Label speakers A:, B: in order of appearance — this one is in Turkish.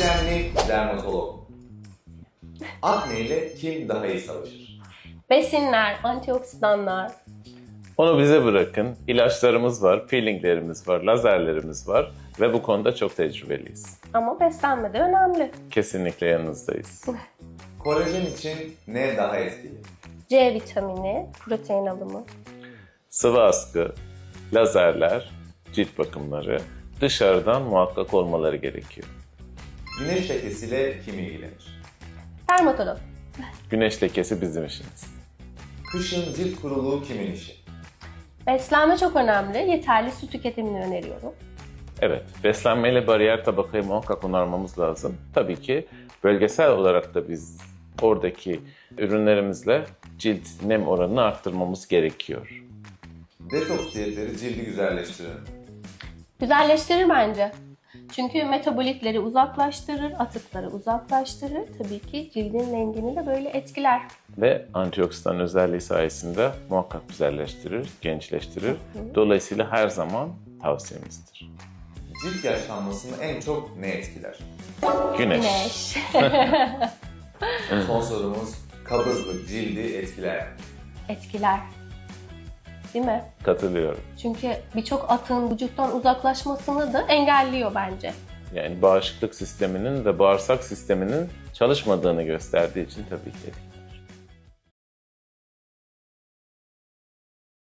A: diyetisyenlik, dermatolog. Akne ile kim daha iyi savaşır?
B: Besinler, antioksidanlar.
C: Onu bize bırakın. İlaçlarımız var, peelinglerimiz var, lazerlerimiz var ve bu konuda çok tecrübeliyiz.
B: Ama beslenme de önemli.
C: Kesinlikle yanınızdayız.
A: Kolajen için ne daha etkili?
B: C vitamini, protein alımı.
C: Sıvı askı, lazerler, cilt bakımları dışarıdan muhakkak olmaları gerekiyor.
A: Güneş lekesiyle kim ilgilenir?
B: Dermatolog.
C: Güneş lekesi bizim işimiz.
A: Kışın cilt kuruluğu kimin işi?
B: Beslenme çok önemli. Yeterli su tüketimini öneriyorum.
C: Evet, beslenmeyle bariyer tabakayı muhakkak onarmamız lazım. Tabii ki bölgesel olarak da biz oradaki ürünlerimizle cilt nem oranını arttırmamız gerekiyor.
A: Detoks diyetleri cildi güzelleştirir.
B: Güzelleştirir bence. Çünkü metabolitleri uzaklaştırır, atıkları uzaklaştırır. Tabii ki cildin rengini de böyle etkiler.
C: Ve antioksidan özelliği sayesinde muhakkak güzelleştirir, gençleştirir. Dolayısıyla her zaman tavsiyemizdir.
A: Cilt yaşlanmasını en çok ne etkiler?
C: Güneş.
B: Güneş.
A: Son sorumuz, kabızlık cildi etkiler.
B: Etkiler. Değil mi?
C: Katılıyorum.
B: Çünkü birçok atığın vücuttan uzaklaşmasını da engelliyor bence.
C: Yani bağışıklık sisteminin ve bağırsak sisteminin çalışmadığını gösterdiği için tabii ki etkili.